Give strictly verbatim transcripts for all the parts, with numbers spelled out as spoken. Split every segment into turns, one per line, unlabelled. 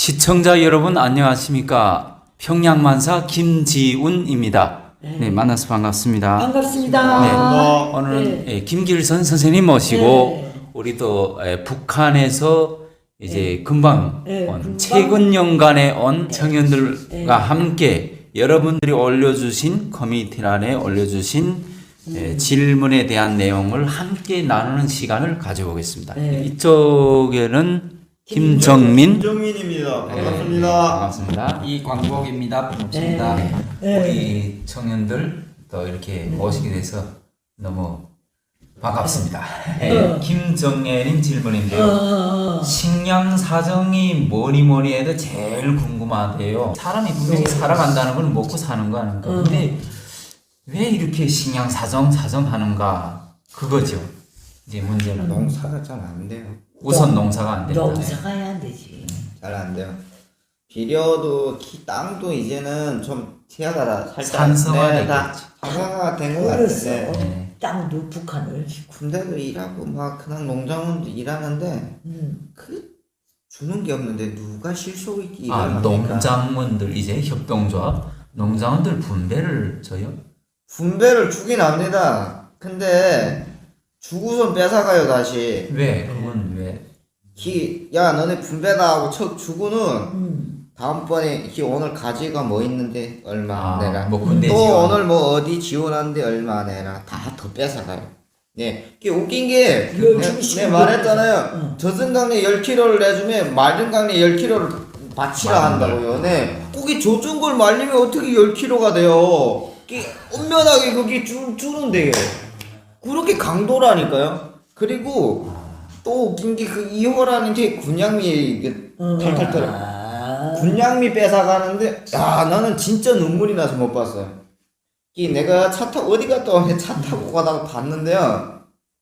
시청자 여러분 안녕하십니까? 평양만사 김지훈입니다. 네, 네 만나서 반갑습니다.
반갑습니다.
네, 오늘은 네. 김길선 선생님 모시고 네. 우리 또 에, 북한에서 이제 네. 금방
네,
온
금방.
최근 연간에 온
네.
청년들과
네.
함께 여러분들이 올려주신 커뮤니티란에 올려주신 음. 에, 질문에 대한 내용을 함께 나누는 시간을 가져보겠습니다.
네.
이쪽에는 김정민
김정민입니다. 반갑습니다.
네, 반갑습니다.
이광복입니다. 반갑습니다.
네.
네.
우리 청년들 또 이렇게 모시게 돼서 너무 반갑습니다. 네.
어.
김정애님 질문인데요.
어.
식량 사정이 뭐니 뭐니 해도 제일 궁금하대요. 사람이 분명히 살아간다는 건 먹고 사는 거 아닌가.
어.
근데 왜 이렇게 식량 사정 사정하는가 그거죠. 이제 문제는
농사가 잘 안 돼요.
우선 농사가 안 된다.
농사가 해야 안 되지.
잘 안 돼요. 비료도 키, 땅도 이제는 좀 티하다 살짝
산성화됐겠지.
다 산성화가 된 것
그래서
같은데.
네.
땅도 북한을.
군대도 일하고 막 그냥 농장원도 일하는데
음.
그 주는 게 없는데 누가 실속 있게
아,
일을 합니까?
농장원들 이제 협동조합 농장원들 분배를 줘요?
분배를 주긴 합니다. 근데 주고선 뺏어가요 다시.
왜? 그건 왜?
기, 야 너네 분배다 하고 척 주고는
음.
다음번에 기 오늘 가지가 뭐 있는데 얼마
아,
내라.
뭐 군대
또
지원.
오늘 뭐 어디 지원하는데 얼마 내라. 다 더 뺏어가요. 네, 이게 웃긴 게
열
내,
주기
내 말했잖아요.
응.
저승강내 열 킬로그램을 내주면 마른강내 열 킬로그램을 바치라 한다고요. 네, 거기 젖은 걸 말리면 어떻게 열 킬로그램가 돼요? 이게 엄연하게 그게 주, 주는데요. 그렇게 강도라니까요. 그리고 또 웃긴 게 그 이호라는 게 군양미 이게
어.
탈탈탈
아.
군양미 뺏어가는데 야 나는 진짜 눈물이 나서 못 봤어요. 이 내가 차 타고 어디 갔다 오면 차 타고 가다가 봤는데요.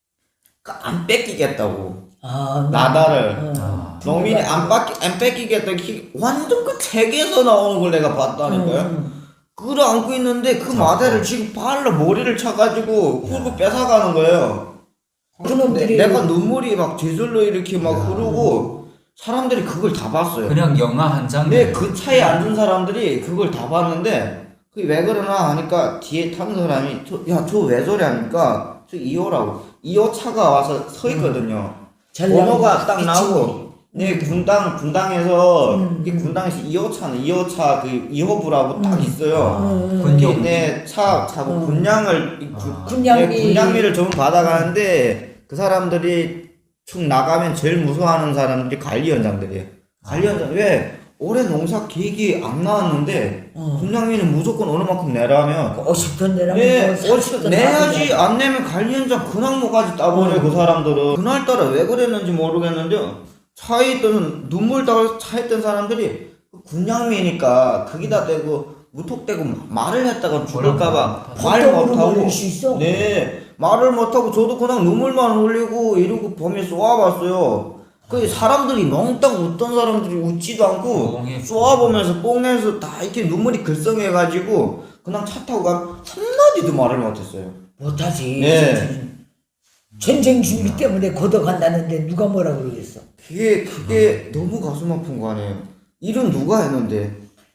그 안 뺏기겠다고
아.
나다를
어.
아.
농민이 안 뺏기 안 뺏기겠다. 기- 완전 그 책에서 나오는 걸 내가 봤다니까요.
음.
그걸 안고 있는데 그 마대를 지금 발로 머리를 차가지고 그거 뺏어가는 거예요.
그놈들이
내, 내가 눈물이 막 뒤질러 이렇게 막 흐르고 사람들이 그걸 다 봤어요.
그냥 영화 한 장면.
근데 그 차에 앉은 사람들이 그걸 다 봤는데 그게 왜 그러나 하니까 뒤에 탄 사람이 야 저 왜 저래 하니까 저 이호라고 이호 차가 와서 서 있거든요.
잘
번호가
나오고
딱 나오고 네 군당 군당에서
음.
이 군당에서 이호 차는 이호 차 그 이호부라고 딱 있어요.
음.
군용.
네, 차, 차,
음.
군량을, 이 구-
아.
군량미.
네, 군량미를 좀 받아가는데, 그 사람들이 축 나가면 제일 무서워하는 사람들이 관리원장들이에요. 관리원장, 왜? 올해 농사 계획이 안 나왔는데,
어.
군량미는 무조건 어느 만큼 내라면,
오십 톤 내라면
네,
뭐 삼십
어찌
톤
내야지,
나가면
안 내면 관리원장 근황모까지 따버려,
음.
그 사람들은. 그날따라 왜 그랬는지 모르겠는데, 차에 있던, 눈물 다 차에 있던 사람들이, 군량미니까, 거기다 대고, 무턱대고 말을 했다가 죽을까봐 말
보통으로
못하고
몰릴 수 있어?
네 말을 못하고 저도 그냥 눈물만 흘리고 이러고 범에 쏘아봤어요. 그 사람들이 멍땅 웃던 사람들이 웃지도 않고
뽕해.
쏘아보면서 뽕해서 다 이렇게 눈물이 글썽해가지고 그냥 차 타고 가면 한마디도 말을 못했어요.
못하지.
네.
전쟁 준비 때문에 고독한다는데 누가 뭐라 그러겠어?
그게 그게 너무 가슴 아픈 거 아니에요. 일은 누가 했는데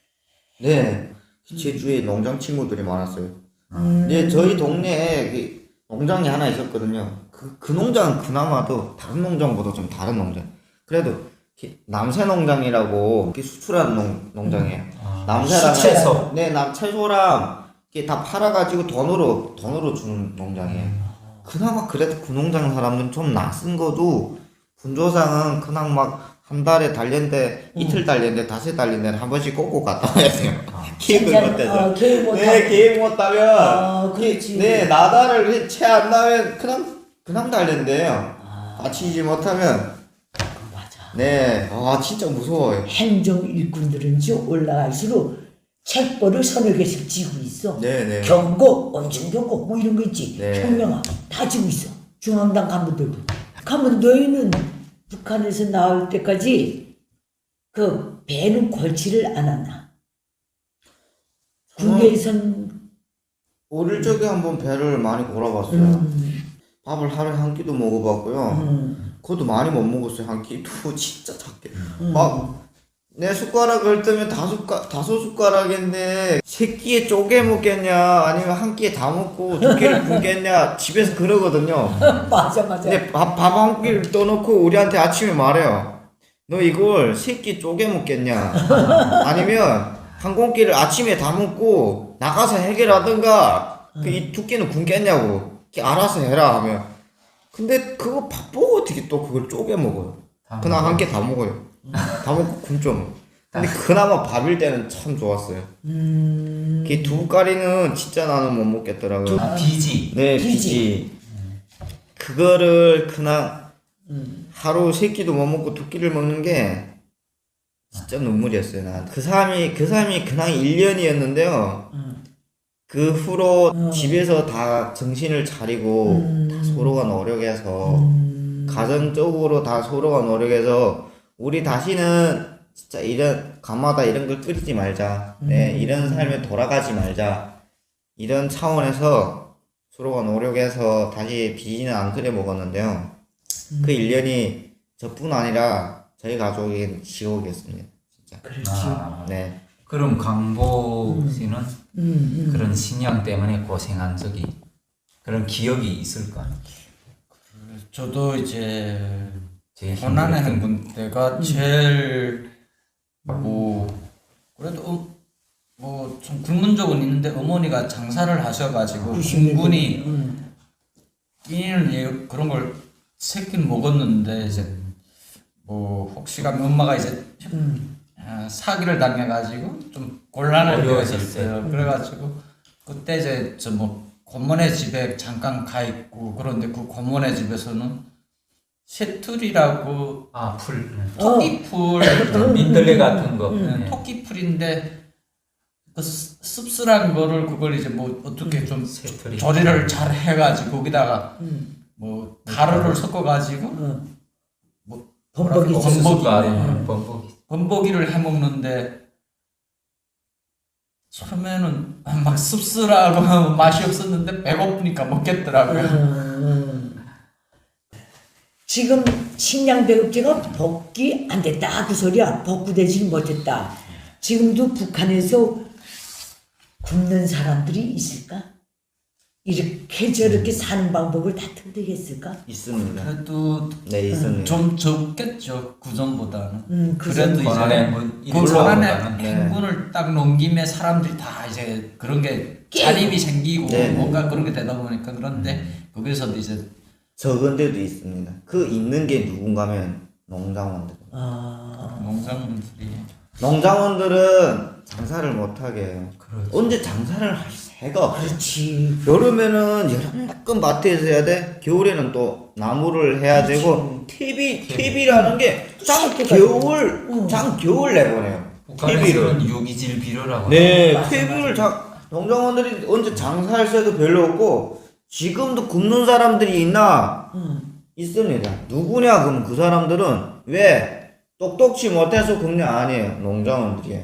네 제주에 농장 친구들이 많았어요.
음.
네, 저희 동네에 그 농장이 하나 있었거든요. 그, 그 농장은 그나마도 다른 농장보다 좀 다른 농장. 그래도 이렇게 남새 농장이라고 이렇게 수출하는 농, 농장이에요.
아,
남새랑
채소.
네, 남 채소랑 이렇게 다 팔아가지고 돈으로 돈으로 주는 농장이에요. 그나마 그래도 그 농장 사람들은 좀 낯선 거도 분조상은 그냥 막 한 달에 달렸는데 이틀 달렸는데 다섯 달렸는데 한 번씩 꼭꼭 갔다 와야 돼요. 계획을
진짜,
못해서.
어, 계획 못하고.
네, 계획 못하면
아, 그렇지.
네, 나다를 채 안 나면 그냥 그냥 달린대요.
아.
다치지 못하면
맞아.
네, 아 진짜 무서워요.
행정 일꾼들은 쭉 올라갈수록 책벌을 서너 개씩 지고 있어.
네, 네.
경고, 엄청 경고 뭐 이런 거 있지.
네.
총명아 다 지고 있어. 중앙당 간부들도. 가면 너희는 북한에서 나올 때까지 그 배는 골치를 안 하나. 군대에선
어릴 적에 한번 배를 많이 골아봤어요.
음,
밥을 하루에 한 끼도 먹어봤고요.
음,
그것도 많이 못 먹었어요. 한 끼도 진짜 작게.
음.
막 내 숟가락을 뜨면 다섯, 가, 다섯 숟가락인데 세 끼에 쪼개 먹겠냐 아니면 한 끼에 다 먹고 두 끼를 굶겠냐 집에서 그러거든요.
맞아 맞아.
근데 밥 한 끼를 떠놓고 우리한테 아침에 말해요. 너 이걸 세 끼 쪼개 먹겠냐 아니면 한 공기를 아침에 다 먹고 나가서 해결하든가 그 이 두 끼는 굶겠냐고 알아서 해라 하면 근데 그거 바쁘고 어떻게 또 그걸 쪼개 먹어요. 그날 한 끼 다 먹어요. 다 먹고 굶죠. 근데 그나마 밥일 때는 참 좋았어요.
음.
그 두부가리는 진짜 나는 못 먹겠더라고요.
아, 비지.
네,
비지.
비지. 그거를 그냥
음.
하루 세 끼도 못 먹고 두 끼를 먹는 게 진짜 눈물이었어요. 난 그 사람이 그 사람이 그냥 일 년이었는데요.
음.
그 후로
음.
집에서 다 정신을 차리고
음.
다 서로가 노력해서
음.
가정적으로 다 서로가 노력해서 우리 다시는 진짜 이런 가마다 이런 걸 끓이지 말자. 네,
음.
이런 삶에 돌아가지 말자. 이런 차원에서 서로가 노력해서 다시 비지는 안 끓여 먹었는데요. 그 일 년이 저뿐 아니라 저희 가족인 지옥이었습니다. 진짜.
그렇지.
아,
네.
그럼 강보 씨는
음, 음.
그런 신양 때문에 고생한 적이 그런 기억이 있을까?
저도 이제
제일
고난의
힘들었던
행군 때가 제일 뭐 그래도 뭐 좀 굶은 적은 있는데 어머니가 장사를 하셔가지고 충분히
음.
끼니를 예- 그런 걸 새끼는 먹었는데 이제 뭐 혹시가 엄마가 이제
음.
아, 사기를 당해가지고 좀 곤란할 때가
어려웠을
있었어요. 그래가지고 그때 이제 저 뭐 고모네 집에 잠깐 가 있고 그런데 그 고모네 집에서는 쇠툴이라고
아, 풀.
토끼풀
어. 민들레 같은 거.
네,
네.
토끼풀인데 그 씁- 씁쓸한 거를 그걸 이제 뭐 어떻게 좀
새털이.
조리를 잘 해가지고 거기다가
음.
뭐 가루를 섞어가지고
어.
뭐
범벅이
뭐라고
있었어.
범벅이
아,
있네.
범벅이.
범벅이를 해 먹는데 처음에는 막 씁쓸하고 맛이 없었는데 배고프니까 먹겠더라고요.
음. 지금 식량 배급제가 복귀 안 됐다 그 소리야. 복구되지 못했다. 지금도 북한에서 굶는 사람들이 있을까? 이렇게 저렇게 사는 방법을 다 터득했을까?
있습니다.
그래도
네, 있습니다.
좀 적겠죠 그 전보다는.
음, 그
그래도
전보다.
고난의
이제
행군
그
일로
고난의
올라가는.
네.
행군을 딱 넘김에 사람들이 다 이제 그런 게 자립이 생기고
네.
뭔가 그런 게 되다 보니까 그런데 거기서도 이제
적은 데도 있습니다. 그 있는 게 누군가면 농장원들.
아,
농장분들이
농장원들은 장사를 못하게 해요.
그렇죠.
언제 장사를 할 새가 없어요.
그렇지.
여름에는 여름만큼 밭에서 해야 돼. 겨울에는 또 나무를 해야 되고 티비 티비라는 게장
씻기가
겨울
응.
장 겨울 내보내요. 티비를.
북한에서는 유기질 비료라고.
네,
맞아,
티비를 장 농장원들이 언제 장사할 새도 별로 없고 지금도 굶는 사람들이 있나?
응.
있습니다. 누구냐? 그럼 그 사람들은 왜 똑똑치 못해서 굶냐? 아니에요. 농장원들이에요.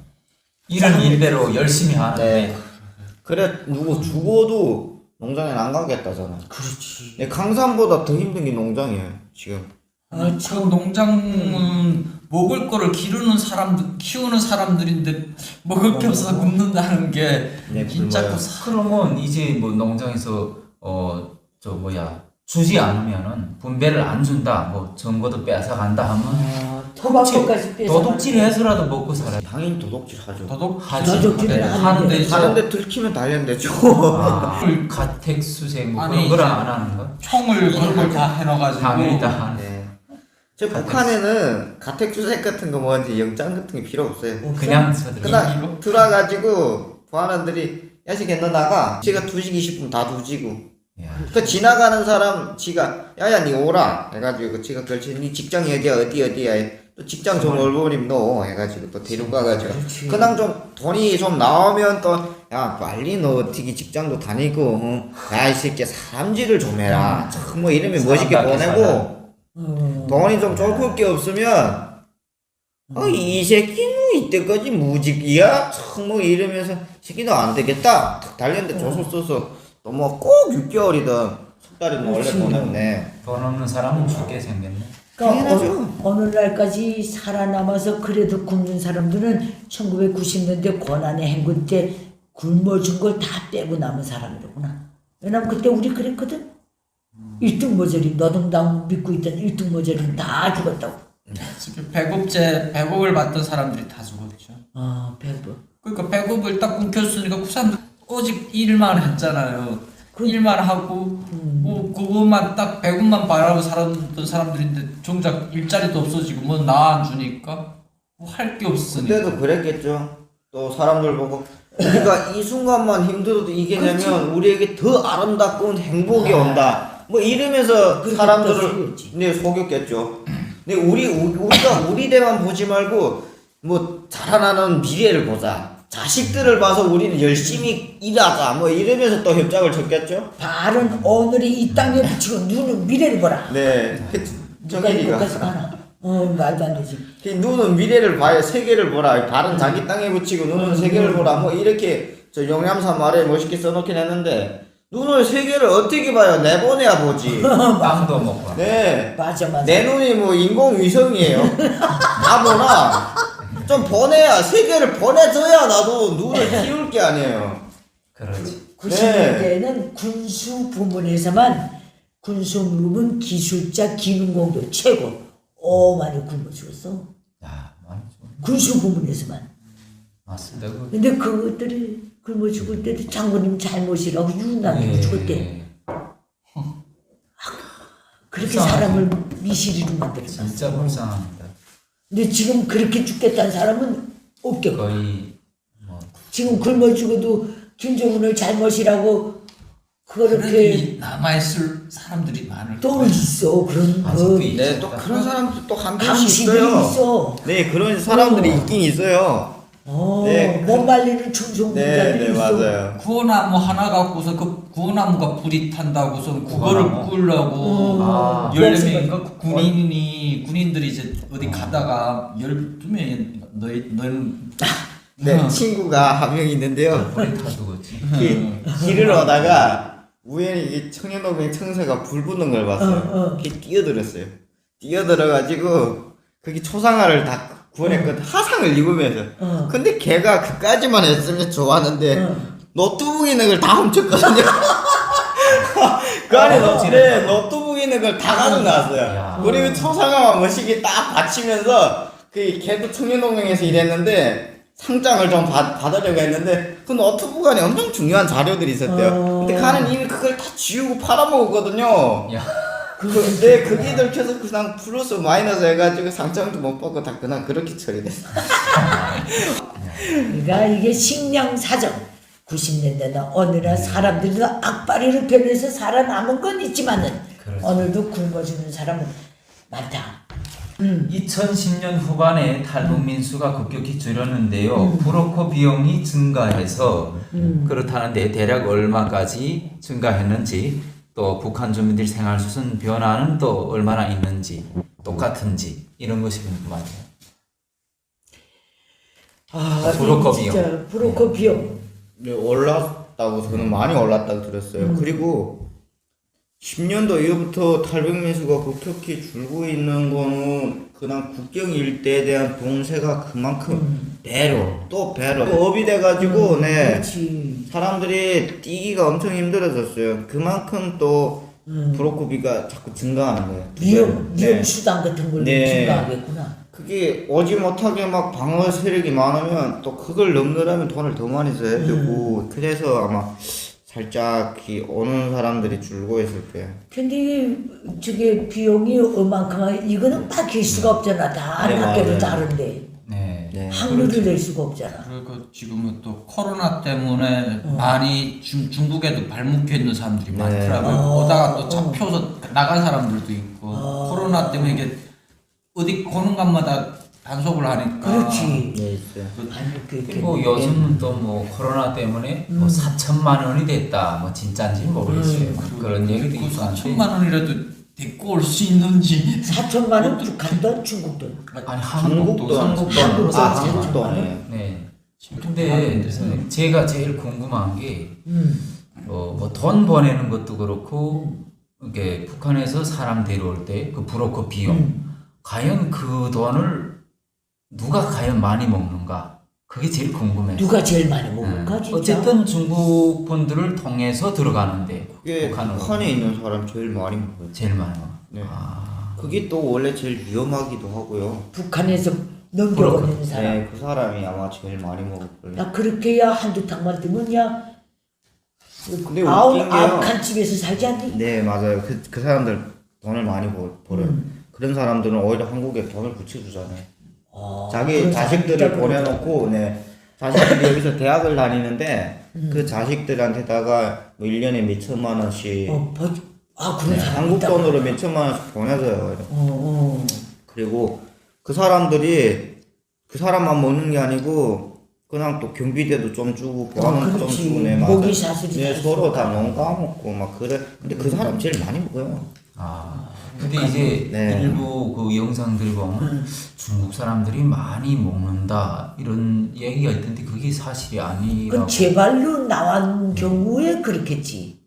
이런 일대로 열심히 하는데
네. 그래 누구 죽어도 농장에 안 가겠다잖아.
그렇지.
네, 강산보다 더 힘든 게 농장이에요. 지금.
아,
그
참.
농장은 먹을 거를 기르는 사람들 키우는 사람들인데 먹을 게 없어서 굶는다는 게
네,
진짜
굶어요.
그 사-
그러면 이제 뭐 농장에서 어 저 뭐야 주지 않으면은 분배를 안 준다 뭐 정보도 뺏어 간다 하면
아, 토박토까지 뺏어.
도둑질해서라도 먹고 살아야
당연히 도둑질 하죠.
도둑
하지.
도둑질을
네,
하는데.
하는데 이제
하는데 들키면 단련되죠.
아, 가택수색 뭐
아니,
그런 거를
이제
안 하는 거?
총을 걸고 다 해놔가지고
당연히 다 하는.
네. 저 북한에는 가택주색 같은 거 뭐한테 영장 같은 게 필요 없어요.
그냥 서들.
그냥 들어가지고 보안원들이 야식에 너 나가. 지가 두지기 싶으면 다 두지고. 그 지나가는 사람 지가 야야 니 오라 해가지고 그 지가 걸치 니 직장 어디야 어디 어디야 또 직장 좀 얼버림 너 해가지고 또 데리고 가가지고
그렇지.
그냥 좀 돈이 좀 나오면 또 야 빨리 너 어떻게 직장도 다니고 야 이 새끼 사람질을 좀 해라 참 뭐 이러면 멋있게
사람답게
보내고
어.
돈이 좀 좋을 게 없으면 어, 이 새끼는 이때까지 무직이야? 참 뭐 이러면서 새끼도 안 되겠다 탁 달렸는데 조서 써서 또 뭐 꼭 육 개월이든 석 달이든 원래
그렇지.
보냈네.
돈 없는 사람은 죽게 생겼네.
그러니까
당연하죠.
어, 어느 날까지 살아남아서 그래도 굶는 사람들은 천구백구십 년대 고난의 행군 때 굶어 준 걸 다 빼고 남은 사람이로구나. 왜냐면 그때 우리 그랬거든. 일등 모자리 노동당 믿고 있던 일등 모자리는 다 죽었다고.
지금 배급제 배급을 받던 사람들이 다 죽었죠.
아 배부.
그러니까 배급을 딱 끊겼으니까 그 사람들 오직 일만 했잖아요. 그 일만 하고 뭐 그것만 딱 배급만 바라고 살았던 사람들인데 정작 일자리도 없어지고 뭐 나 안 주니까 뭐 할 게 없으니까.
그때도 그랬겠죠. 또 사람들 보고 우리가 이 순간만 힘들어도 이기려면 우리에게 더 아름답고 행복이 온다. 뭐 이러면서
그렇게
사람들을
속였지.
네 속였겠죠. 근데 우리 우- 우리가 우리 대만 보지 말고 뭐 자라나는 미래를 보자. 자식들을 봐서 우리는 열심히 일하자. 뭐 이러면서 또 협작을 쳤겠죠.
발은 오늘이 이 땅에 붙이고 눈은 미래를 보라.
네.
누가
정일이가
이것까지 가나? 어 말도 안 되지.
그 눈은 미래를 봐야 세계를 보라. 발은 자기 땅에 붙이고 눈은 세계를 보라. 뭐 이렇게 저 용ям사 말에 멋있게 써놓긴 했는데 눈을 세계를 어떻게 봐요? 내보내야 보지.
빵도 먹고.
네.
맞아 맞아.
내 눈이 뭐 인공위성이에요. 바보나 좀 보내야 세계를 보내줘야 나도 눈을 키울 게 아니에요.
그렇지.
구십 년대에는 군수 부문에서만 군수 부문 기술자 기능공도 최고. 오 많이 굶어 죽었어.
야, 많이 좀
군수 부문에서만.
맞습니다. 그
근데 그것들이 굶어 죽을 때도 장군님 잘못이라고 유난히
예.
죽었대. 그렇게
불쌍하지.
사람을 미시리로 만들었어.
진짜 불쌍합니다.
근데 지금 그렇게 죽겠다는 사람은 없겠고.
거의 뭐
지금 굶어 죽어도 김정은을 잘못이라고
그래도
그렇게
이 남아있을 사람들이 많을
또
거예요.
있어. 그런
아직도
그
있-
네, 또 그런 사람들 또 한 명씩
당신들이
있어요.
있어.
네, 그런 사람들이
어.
있긴 있어요.
어,
네,
못 말리는 충성군자들이
네, 네,
있어.
맞아요.
구호나무 하나 갖고서 그 구호나무가 불이 탄다고서 그거를
구호나무?
끌려고
아.
열네 명인가 군인이 군인들이 이제 어디 가다가 열두 명이 너희 너희는
네,
어.
친구가 한 명 있는데요.
머리 다 죽었지.
길, 길을 오다가 우연히 이 청년동맹 청사가 불 붙는 걸 봤어요.
어, 어.
걔 뛰어들었어요. 뛰어들어가지고 거기 초상화를 다 구원했거든. 하상을 입으면서.
어.
근데 걔가 그까지만 했으면 좋았는데
어.
노트북 있는 걸 다 훔쳤거든요. 그 안에
아,
노, 네, 노트북 있는 걸 다 가져나왔어요.
야.
그리고 초상화만 멋있게 딱 받치면서 그 걔도 청년동맹에서 일했는데 상장을 좀 받, 받으려고 했는데 그 노트북 안에 엄청 중요한 자료들이 있었대요.
어.
근데 가는 이미 그걸 다 지우고 팔아먹었거든요.
야,
근데 그게 들켜서 그냥 플러스 마이너스 해가지고 상장도 못 받고 다 그냥 그렇게 처리됐어.
그러니까 이게 식량 사정. 구십 년대나 어느날 사람들도 악바리를 변해서 살아남은 건 있지만은
그렇죠.
오늘도 굶어 죽는 사람은 많다.
이천십 년 후반에 탈북민 수가 급격히 줄었는데요. 브로커 비용이 증가해서 그렇다는데 대략 얼마까지 증가했는지 또 북한 주민들 생활 수준 변화는 또 얼마나 있는지 똑같은지 이런 것이 궁금하네요.
아,
브로커
진짜
비용.
브로커 비용.
네, 올랐다고 저는 많이 올랐다고 들었어요. 그리고 십 년도 이후부터 탈북민 수가 급격히 줄고 있는 거는 그냥 국경 일대에 대한 봉쇄가 그만큼 배로 또 배로 또 업이 돼가지고 네
그렇지.
사람들이 뛰기가 엄청 힘들어졌어요. 그만큼 또 브로커비가 자꾸 증가하는 거예요.
위험
네.
위험 수단 같은 걸로
네.
증가하겠구나.
그게 오지 못하게 막 방어 세력이 많으면 또 그걸 넘느라면 돈을 더 많이 써야 되고 그래서 아마 살짝 이 오는 사람들이 줄고 있을 거예요.
근데 이게 저게 비용이 얼만큼 이거는 밝힐 수가 없잖아. 다
네,
학교도
맞아요.
다른데
네.
네.
확률을 낼 수가 없잖아.
그리고 지금은 또 코로나 때문에 많이 중, 중국에도 발목혀 있는 사람들이 많더라고요.
어.
오다가 또 잡혀서 나간 사람들도 있고 코로나 때문에 이게 어디 고는 곳마다 단속을 하니까
그렇지.
네, 있어요.
아니 그
그리고 요즘은 또 뭐 코로나 때문에 뭐 사천만 원이 됐다. 뭐 진짜인지 모르겠어요. 그런 얘기도
그
있고 한데.
사천만 원이라도 데리고 올 수 있는지
사천만 원 북한 돈, 중국 돈.
아니
한국도
한국도
한국도
한국도
아
한국도
한국도
한국도
네.
네. 근데 제가 제일 궁금한 게
음.
어, 뭐 돈 보내는 것도 그렇고 이게 북한에서 사람 데려올 때 그 브로커 비용 과연 그 돈을 누가 과연 많이 먹는가? 그게 제일 궁금해요.
누가 제일 많이 먹을까
음.
진짜?
어쨌든 중국 분들을 통해서 들어가는데
그게
북한으로
북한에 있는 사람 제일 많이 먹어요.
제일 많이 먹어.
네.
아,
그게 또 원래 제일 위험하기도 하고요.
북한에서 넘겨오는 사람.
네, 그 사람이 아마 제일 많이 먹을 거예요.
야 그렇게야 한두 탕만 뜨면 야
근데
아홉
웃긴 게요.
아홉 칸 집에서 살지 않니?
네, 맞아요. 그, 그 사람들 돈을 많이 벌, 벌어요.
음.
그런 사람들은 오히려 한국에 돈을 붙여주잖아요.
어,
자기
그런
자식들을
사람이
보내놓고, 네. 자식들이 여기서 대학을 다니는데,
음.
그 자식들한테다가 뭐 일 년에 몇 천만 원씩,
어, 버, 아 그런
네,
사람
한국
있다.
돈으로 몇 천만 원씩 보내줘요.
어, 어.
그리고 그 사람들이 그 사람만 먹는 게 아니고, 그냥 또 경비대도 좀 주고, 보안은 좀
그렇지.
주고, 네,
먹이
맞아요.
사슬이
네,
다
서로
있으니까.
다 농가먹고, 막 그래. 근데 그 사람 제일 많이 먹어요.
아. 근데 이제
네.
일부 그 영상들 보면 중국 사람들이 많이 먹는다 이런 얘기가 있던데 그게 사실이 아니라고.
그 제발로 나온 경우에 그렇겠지.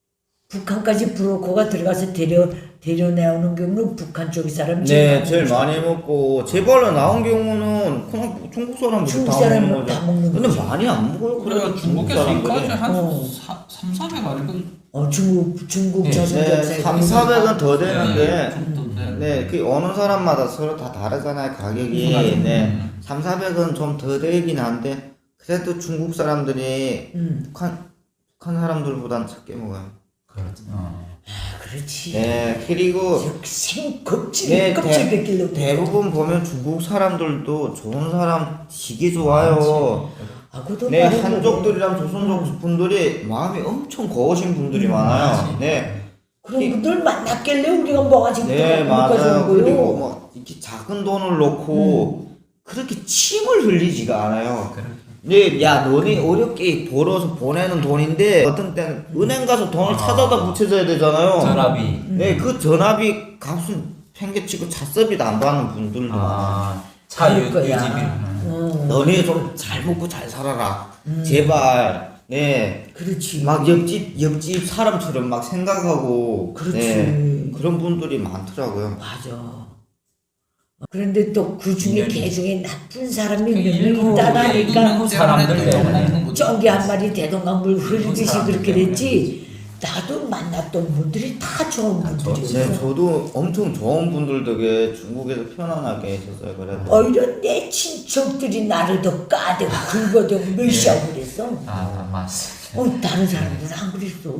북한까지 브로커가 들어가서 데려 데려내오는 경우는 북한 쪽 사람이
네,
많이
제일
먹죠.
많이 먹고 제발로 나온 경우는 그냥 중국 사람들이
중국
다
사람은
먹는
다
거죠.
먹는
근데
거지.
많이 안 먹어요.
그래가
그래도 중국
중국에서 이까지
사람들이.
한
어.
삼, 사백 아니고
어 중국 중국
네,
저승전사에
네, 삼, 사백은 더 되는데
정도 돼.
네, 그 어느 사람마다 서로 다 다르잖아요, 가격이.
음.
네. 삼, 사백은 좀 더 되긴 한데 그래도 중국 사람들이
음.
북한 북한 사람들보단 적게 먹어요.
그렇죠. 어.
아, 그렇지.
네, 그리고
생 껍질
네,
껍질
대,
벗길로
대부분 보면 중국 사람들도 좋은 사람 되게 좋아요.
아, 그것도
네,
말해
한족들이랑 조선족 분들이 마음이 엄청 거우신 분들이
음,
많아요.
맞지.
네,
그런 분들 만났길래 우리가 뭐가 지금
네,
여기까지 온
맞아요.
거요.
그리고 뭐 이렇게 작은 돈을 놓고 그렇게 침을 흘리지가 않아요.
그래.
네, 야, 너네 어렵게 벌어서 보내는 돈인데 어떤 때는 은행 가서 돈을
아.
찾아다 붙여줘야 되잖아요.
전압이.
네, 그 전압이 값은 팽개치고 잣섭이도 안 받는 분들도 많아요.
아, 차 유,
그럴 거야.
유지비.
어,
너네 좀 잘 먹고 잘 살아라. 제발. 네.
그렇지.
막 옆집 옆집 사람처럼 막 생각하고
그렇지.
네, 그런 분들이 많더라고요.
맞아. 그런데 또 그 중에
인연이.
개중에 나쁜 사람이
그
몇
일부
명 있다
예,
하니까
일부 사람들 때문에.
쩐기 한 마리 대동강물 흐르듯이
사람들
그렇게
때문에
됐지. 나도 만났던 분들이 다 좋은
네,
분들이었어.
저도 엄청 좋은 분들 덕에 중국에서 편안하게 있었어요. 그래도
오히려 내 친척들이 나를 더 까대고 긁어대고 멸시하고 그랬어.
아, 맞습니다.
어, 다른 사람들은 안 그랬어.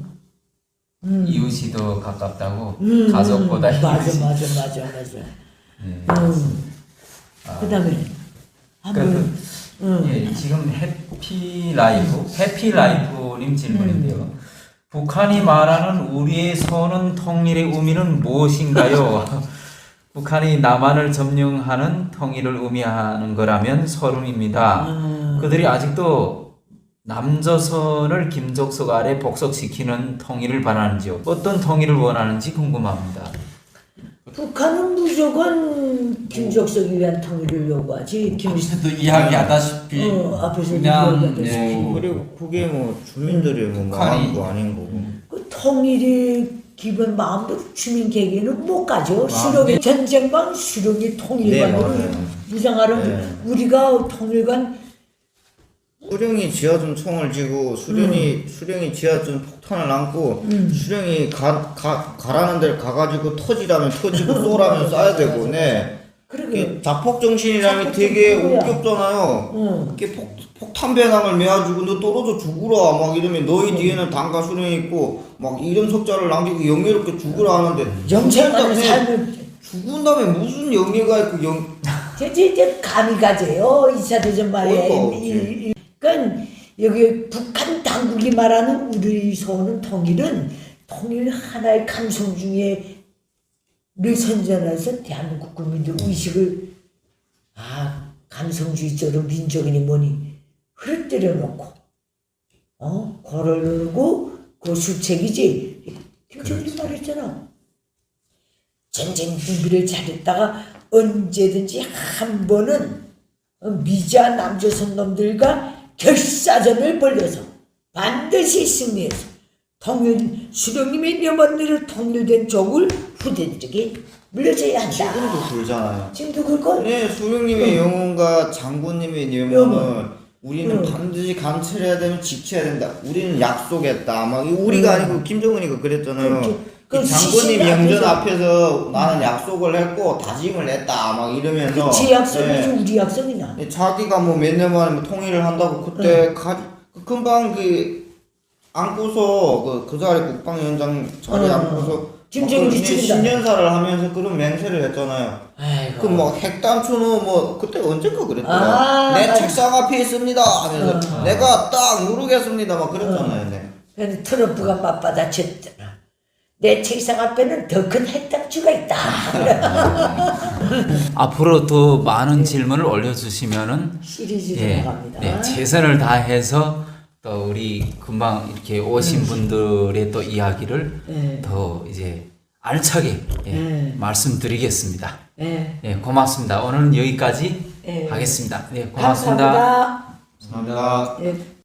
이웃이 더 가깝다고
음,
가족보다
음, 맞아,
이웃이.
맞아, 맞아, 맞아.
네.
음. 그다음에
그래도
한번 음.
예, 지금 해피라이프 해피라이프님 질문인데요. 북한이 말하는 우리의 선언 통일의 의미는 무엇인가요? 북한이 남한을 점령하는 통일을 의미하는 거라면 서른입니다.
음.
그들이 아직도 남조선을 김족석 아래 복속시키는 통일을 바라는지요? 어떤 통일을 원하는지 궁금합니다.
북한은 무조건 김정석이 위한 통일을 요구하지. 김
앞에서도 이야기하다시피
어, 앞에서
그냥
이야기하다시피.
예,
뭐 그리고 그게 뭐 주민들이 뭐
북한이-
마음도 아닌 거고.
그 통일이 기본 마음대로 주민 계획에는 못 가죠.
아,
수령이
네.
전쟁방 수령이 통일관으로
네, 맞아요.
무장하는
네.
우리가 통일관
수령이 지어준 총을 쥐고 수령이 수령이 지어준 폭탄을 안고 수령이 가, 가 가라는 데를 가가지고 터지라면 터지고 쏘라면 쏴야 되고, 네.
그러게
이게 자폭 정신이라는 게 되게
자폭 정신이야.
웃겼잖아요.
응.
이게 폭 폭탄 배낭을 매가지고 너 떨어져 죽으라 막 이러면 너희 뒤에는 당과 수령이 있고 막 이런 석자를 남기고 영예롭게 죽으라 하는데
영생하는
죽은 다음에-
삶을
죽은 다음에 무슨 영예가 있고 영
이제 이제 감이 가져요. 이 차 대전 말에.
어이가 없지.
이- 이- 그러니까 여기 북한 당국이 말하는 우리 서는 통일은 통일 하나의 감성 중에 늘 선전해서 대한민국 국민들 의식을 아 감성주의적으로 민족이니 뭐니 흐르뜨려 놓고 어 거를 누르고 그 수책이지. 김정일이 말했잖아. 전쟁 준비를 잘했다가 언제든지 한 번은 미자 남조선 놈들과 결사전을 벌려서 반드시 승리해서 통일 수령님의 명언대로 통일된 족을 부대들에게 물려줘야 한다.
지금도 굴잖아요.
지금도 그걸
네, 수령님의 영혼과 장군님의 영혼은
영혼.
우리는
응.
반드시 감찰해야 되면 지켜야 된다. 우리는 약속했다. 막 이거 우리가
응.
아니고 김정은이가 그랬잖아요.
그렇죠.
이
그
장군님
시신
영전
앞에서.
앞에서 나는 약속을 했고 다짐을 했다. 막 이러면서
제 약속이지
네.
우리 약속이나.
네, 자기가 뭐 몇 년 만에 뭐 통일을 한다고 그때 가, 그 금방 그 안고서 그, 그 자리 국방위원장 자리에
어.
안고서
김정일이
그
죽인다.
신년사를 하면서 그런 맹세를 했잖아요.
아이고.
그 뭐 핵단추는 뭐 그때 언젠가 그랬더라.
아,
내
맞아.
책상 앞에 있습니다 하면서
어.
내가 딱 누르겠습니다 막 그랬잖아요. 네.
그래서 트럼프가 맞받아쳤잖아. 내 책상 앞에는 더 큰 핵단추가 있다.
앞으로 더 많은 질문을 올려주시면은
시리즈로
예,
나갑니다.
네, 최선을 다해서 또 우리 금방 이렇게 오신 분들의 또 이야기를
네.
더 이제 알차게 예,
네.
말씀드리겠습니다.
네.
예, 고맙습니다. 오늘은 여기까지
네.
하겠습니다. 네, 고맙습니다.
감사합니다.
감사합니다.
네.